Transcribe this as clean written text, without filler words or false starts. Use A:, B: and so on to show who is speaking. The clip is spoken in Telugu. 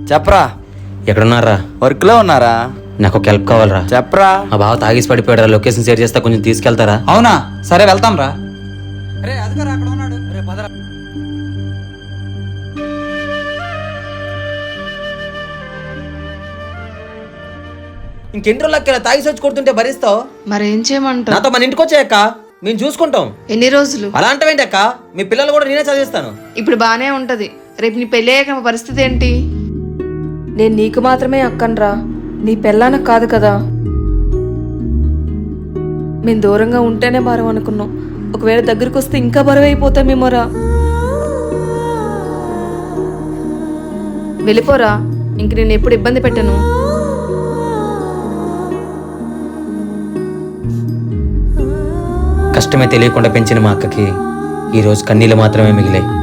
A: చెప్పరా.
B: ఎక్కడున్నారా?
A: వర్క్లో ఉన్నారా?
B: నాకు ఒక హెల్ప్ కావాలరా.
A: చెప్పరా.
B: మా బావ తాగేసి పడిపోయాడు, లొకేషన్ షేర్ చేస్తా, కొంచెం తీసుకెళ్తారా?
C: అవునా, సరే వెళ్తాం రా. అరే అదిగోరా అక్కడ ఉన్నాడు. అరే పదరా.
B: ఇంకెన్ని రోజులు తాగి వచ్చి కొడుతుంటే భరిస్తావు?
D: మరేం చేయమంటావు?
B: నాతో మన ఇంటికి వచ్చాయక్క, మేము చూసుకుంటాం.
D: ఎన్ని రోజులు?
B: అలా అంటావేంటి అక్క? మీ పిల్లలు కూడా నేనే చదివిస్తాను.
D: ఇప్పుడు బానే ఉంటది, రేపు నీ పెళ్ళి అయ్యాక మా పరిస్థితి ఏంటి?
E: నేను నీకు మాత్రమే అక్కనరా, నీ పెళ్ళానికి కాదు కదా. మేము దూరంగా ఉంటేనే బరువు అనుకున్నాం, ఒకవేళ దగ్గరికి వస్తే ఇంకా బరువు అయిపోతామేమోరా. వెళ్ళిపోరా, ఇంక నేను ఎప్పుడు ఇబ్బంది పెట్టను.
B: కష్టమే తెలియకుండా పెంచిన మా అక్కకి ఈరోజు కన్నీళ్ళు మాత్రమే మిగిలాయి.